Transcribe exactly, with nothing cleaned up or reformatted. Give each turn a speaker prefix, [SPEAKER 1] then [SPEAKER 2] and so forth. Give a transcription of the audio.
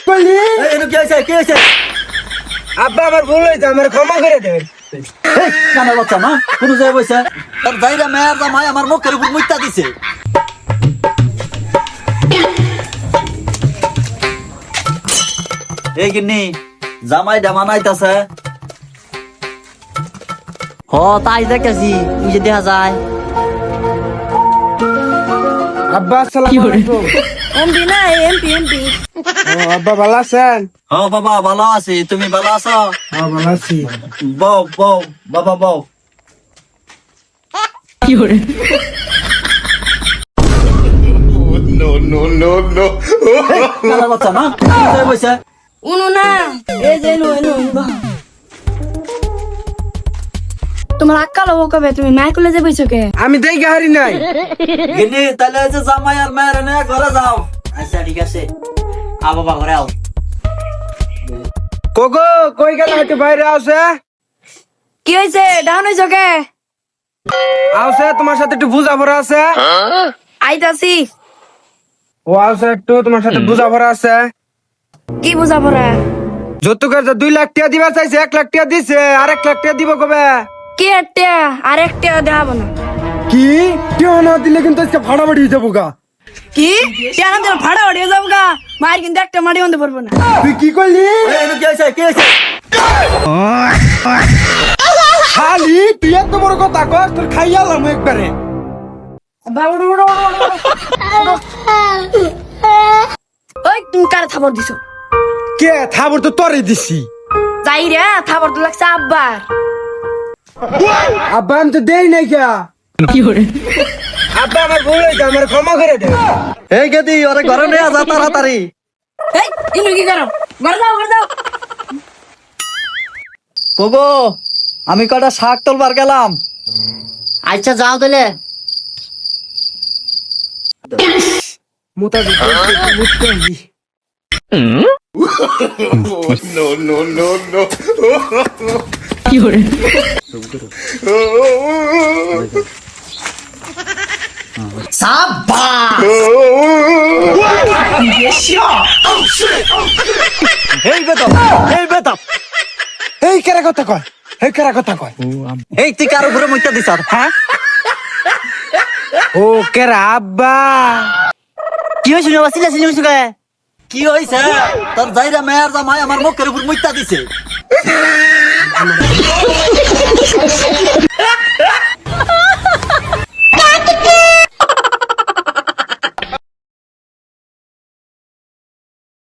[SPEAKER 1] করলি?
[SPEAKER 2] এনো কি হইছে কি হইছে?
[SPEAKER 1] আব্বা আমার ভুল হয়েছে, আমার ক্ষমা করে দেবেন।
[SPEAKER 2] এই কানা বাচ্চা না কোন জায়গায় বইছে তার যাইরা মেয়ের জামাই আমার মুখের উপর মুইতা দিছে। এই গিন্নি জামাই ডামানাইতাছে।
[SPEAKER 3] হ তাই দেখতেছি ওই যে দেখা যায়।
[SPEAKER 1] আব্বা আসসালামু আলাইকুম।
[SPEAKER 4] এমপি না এমপি এমপি
[SPEAKER 1] ও আব্বা ভালো আছেন?
[SPEAKER 2] হ বাবা ভালো আছি, তুমি ভালো আছো?
[SPEAKER 1] হ্যাঁ ভালো আছি।
[SPEAKER 2] বউ বউ বাবা বউ। এই কানা বাচ্চা না কোন জায়গায় বইছে?
[SPEAKER 4] উনু না এই যে এনু এনু তোমার আক্কা লব কবে তুমি মায়ের কলেজে বইছো কে?
[SPEAKER 1] আমি দেখে হারি নাই।
[SPEAKER 2] গিন্নি তাহলে এই যে জামাই আর মেয়ের এনে ঘরে যাও।
[SPEAKER 3] আচ্ছা ঠিক আছে, আ বাবা ঘরে আও।
[SPEAKER 1] কোকো কই গেল? হয়তো বাইরে আছে।
[SPEAKER 4] কি হইছে ডাউন হইছো কে?
[SPEAKER 1] আছে তোমার সাথে একটু বুঝাপড়া আছে।
[SPEAKER 4] আইতাছি।
[SPEAKER 1] ও আছে একটু তোমার সাথে বুঝাপড়া আছে।
[SPEAKER 4] কি বুঝা পড়া?
[SPEAKER 1] যৌতুকের যে দুই লাখ টাকা দিবা চাইছে, এক লাখ টাকা দিছে, আর এক লাখ টাকা দিব কবে?
[SPEAKER 4] কি একটা আর একটা দেখাবো না।
[SPEAKER 1] কি কেউ না দিলে কিন্তু আজকে ভাড়া বাড়ি যাবো গা।
[SPEAKER 4] কি কেন তোর ভাড়া উড়িয়ে যাবো গা? মায়ের কিন্তু একটা মাটি বন্ধ পারবো না।
[SPEAKER 1] তুই কি করলি?
[SPEAKER 2] এই এনো কি হইছে কি হইছে?
[SPEAKER 1] খালি তুই এত বড় কথা কর, তোর খাইয়ালাম একবারে।
[SPEAKER 4] ওই তুমি কারে থাবর দিছো?
[SPEAKER 1] কে থাবর তো তোরে দিছি।
[SPEAKER 4] যাই রে থাবর তো লাগছে আব্বার।
[SPEAKER 1] আব্বা আমি তো দেই নাই কে। আব্বা আমার ভুল হয়েছে, আমার ক্ষমা করে দে।
[SPEAKER 2] এই গেদি ওরে ঘরে নিয়ে যা তাড়াতাড়ি।
[SPEAKER 4] এই ইনু কি করো? ঘরে যাও ঘরে যাও।
[SPEAKER 2] কোগো আমি কটা শাক তোলবার গেলাম।
[SPEAKER 3] আচ্ছা যাও তাহলে।
[SPEAKER 1] মুতা দিতে মুততে হলি।
[SPEAKER 3] সাবাস!
[SPEAKER 2] এই বেতপ এই বেতপ
[SPEAKER 1] এই কেরা কথা কয়, এই কেরা কথা কয়।
[SPEAKER 2] এই তুই কার উপরে মুইতা দিছ? হ্যাঁ
[SPEAKER 1] ও কেরা আব্বা।
[SPEAKER 3] কি হয়েছিল বাবা? চিল্লা চিল্লি হয়েছিল কে?
[SPEAKER 2] কি হইছে? তোর যাইরা মেয়ের জামাই আমার মুখের উপর মুইতা দিছে।